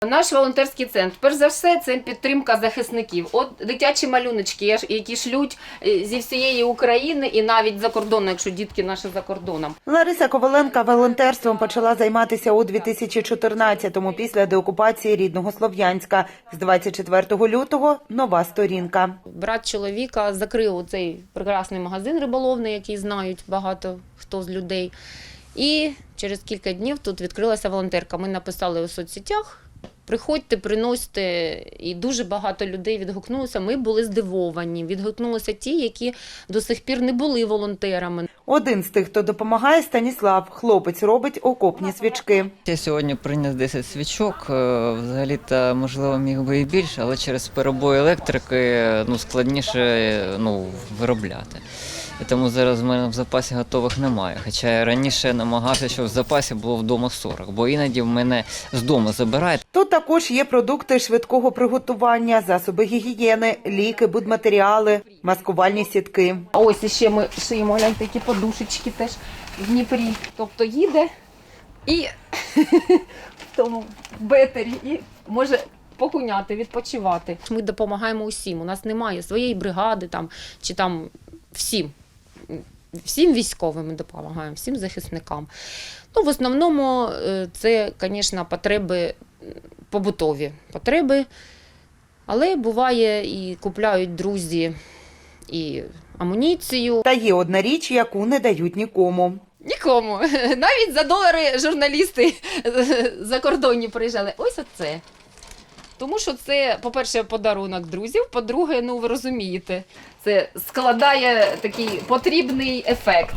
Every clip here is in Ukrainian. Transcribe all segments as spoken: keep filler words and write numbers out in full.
Наш волонтерський центр, перш за все, це підтримка захисників. От дитячі малюночки, які шлють зі всієї України і навіть за кордоном, якщо дітки наші за кордоном. Лариса Коваленка волонтерством почала займатися у дві тисячі чотирнадцятому після деокупації рідного Слов'янська. З двадцять четвертого лютого нова сторінка. Брат чоловіка закрив цей прекрасний магазин риболовний, який знають багато хто з людей. І через кілька днів тут відкрилася волонтерка. Ми написали у соцсетях. Приходьте, приносьте, і дуже багато людей відгукнулося. Ми були здивовані. Відгукнулися ті, які до сих пір не були волонтерами. Один з тих, хто допомагає, Станіслав. Хлопець робить окопні свічки. Я сьогодні приніс десять свічок. Взагалі-то, можливо, міг би і більше, але через перебої електрики ну, складніше ну, виробляти. І тому зараз в мене в запасі готових немає. Хоча я раніше намагався, щоб в запасі було вдома сорок, бо іноді в мене з дому забирають. Тут також є продукти швидкого приготування, засоби гігієни, ліки, будматеріали, маскувальні сітки. А ось іще ми шиємо, гляньте, такі подушечки теж в Дніпрі. Тобто їде і в тому бетері і може погуняти, відпочивати. Ми допомагаємо усім. У нас немає своєї бригади там, чи там всім. Всім військовим ми допомагаємо, всім захисникам. Ну, в основному це, звісно, потреби побутові потреби, але буває і купляють друзі і амуніцію. Та є одна річ, яку не дають нікому. Нікому. Навіть за долари журналісти закордонні приїжджали. Ось оце. Тому що це, по-перше, подарунок друзів, по-друге, ну ви розумієте, це складає такий потрібний ефект.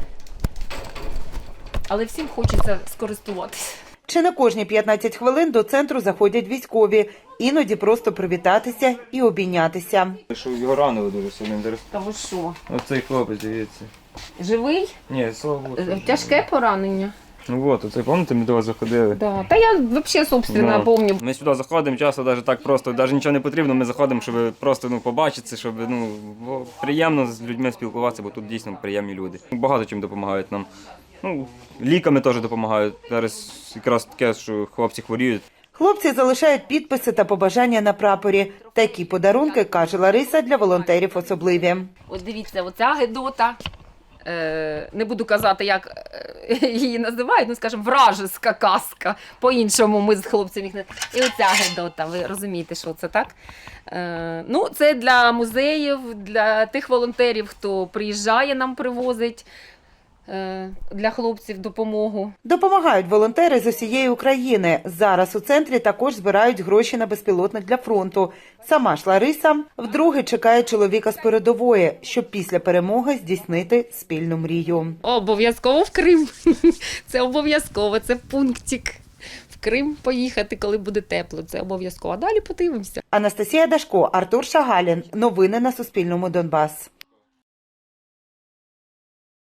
Але всім хочеться скористуватися. Чи не кожні п'ятнадцять хвилин до центру заходять військові, іноді просто привітатися і обійнятися. Що його ранили дуже сильно. Та ви що? Оцей хлопець, дивіться. Живий? Ні, слава Богу. Тяжке поранення. Ну от, оцей, пам'ятаєте, ми до вас заходили? Да. Та я взагалі, собственно, Ну, пам'ятаю. Ми сюди заходимо, часто навіть так просто, навіть нічого не потрібно, ми заходимо, щоб просто ну, побачитися, щоб ну, бо приємно з людьми спілкуватися, бо тут дійсно приємні люди. Багато чим допомагають нам. Ну, ліками теж допомагають. Зараз якраз таке, що хлопці хворіють. Хлопці залишають підписи та побажання на прапорі. Такі подарунки, каже Лариса, для волонтерів особливі. Ось дивіться, оця гедота, е, не буду казати, як її називають, ну, скажімо, вражеська казка. По-іншому ми з хлопцями їх не... І оця гедота, ви розумієте, що це, так? Е, ну, це для музеїв, для тих волонтерів, хто приїжджає, нам привозить. Для хлопців допомогу. Допомагають волонтери з усієї України. Зараз у центрі також збирають гроші на безпілотник для фронту. Сама ж Лариса вдруге чекає чоловіка з передової, щоб після перемоги здійснити спільну мрію. Обов'язково в Крим. Це обов'язково, це пунктик. В Крим поїхати, коли буде тепло. Це обов'язково. А далі подивимося. Анастасія Дашко, Артур Шагалін. Новини на Суспільному. Донбас.